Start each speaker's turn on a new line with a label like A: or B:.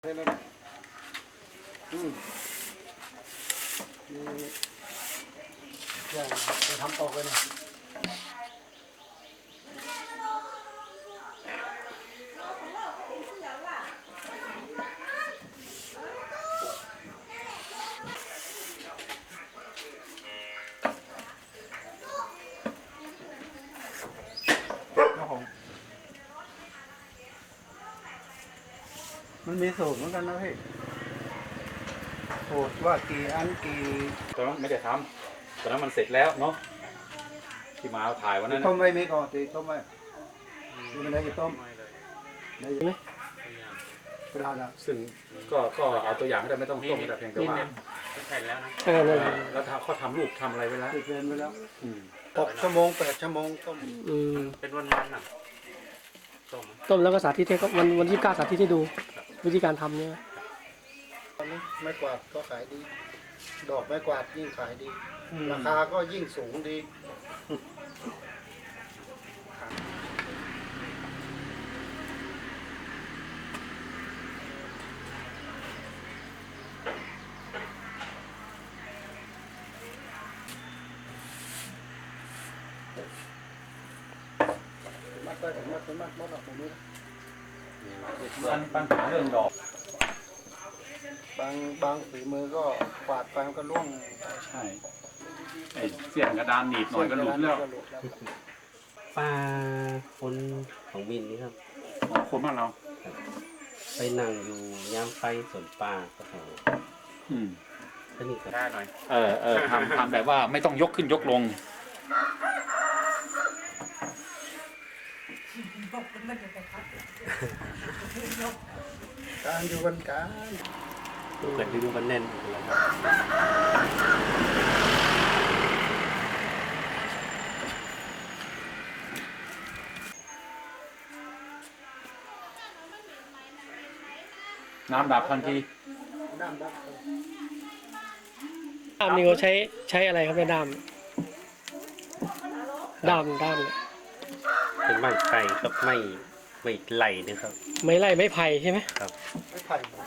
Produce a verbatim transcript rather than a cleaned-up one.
A: ได้เลยอืมนี่อย่างจะทำตอกเลยนะครับผมมันมีสูตรเหมือนกันนะพี่สูตรว่ากี่อันกี่
B: ตอนนั้นไม่ได้ทำตอนนั้นมันเสร็จแล้วเนาะที่มาถ่ายวันนั้น
A: ต้มไม่มีก่อนตีต้มไม่ดูไม่ได้จะต้มได้ไหมเวลาละ
B: ซึ่งก็ก็เอาตัวอย่างไม่ได้ไม่ต้องต้มแต่เพียงแต่ว่า
C: ใช่แล้วนะ
D: เออนั่น
B: เออแล้วเขาทำรูปทำอะไรไว้แล้ว
A: ติดเวรไปแล้ว
B: อืม
A: หกชั่วโมงแปดชั่วโมงต้ม
D: อืม
C: เป็นวันวันๆน่ะต้ม
D: ต้มแล้วก็สาธิตให้ก็วันวันที่เก้าสาธิตให้ดู วิธีการทำเนี่ย
A: ตอนนี้ไม้กวาดก็ขายดี ดอกไม้กวาดยิ่งขายดี ราคาก็ยิ่งสูงดีมัดไปถึงมัดถึงมัดมัดออกตรงนี้
B: ปัญปัญหาเรื่องดอก
A: บางบางฝีมือก็กวาดไปมันก็ร่วง
B: ใช่ไอ้เสียนกระดานหนีบหน่อยก็หลุดแล้ว
A: ก็หลุดแล้ว
C: ป้าคนของวินนี่ครับ
B: อ๋อคนบ้านเรา
C: ไปนั่งอยู่ย่ามไฟสวนป่าก็เขา
B: อืม
C: สนิทกับ
E: ได้หน่อย
B: เออเออทำทำแบบว่าไม่ต้องยกขึ้นยกลง
A: การอยู่กันการ
C: เกิดดูมันแน่นเลยครับ
B: น้ำดับทันที
A: น้ำดับ
D: ด้ามนี่เขาใช้ใช้อะไรครับในด้ามด้ามด้ามเนี่ย
C: เป็นไม้ไผ่กับไม้ไม้ไหลนะครับ
D: ไม้ไล่ไม้ไผ่ใช่ไหม
C: ครับ
A: ไม่ไผ่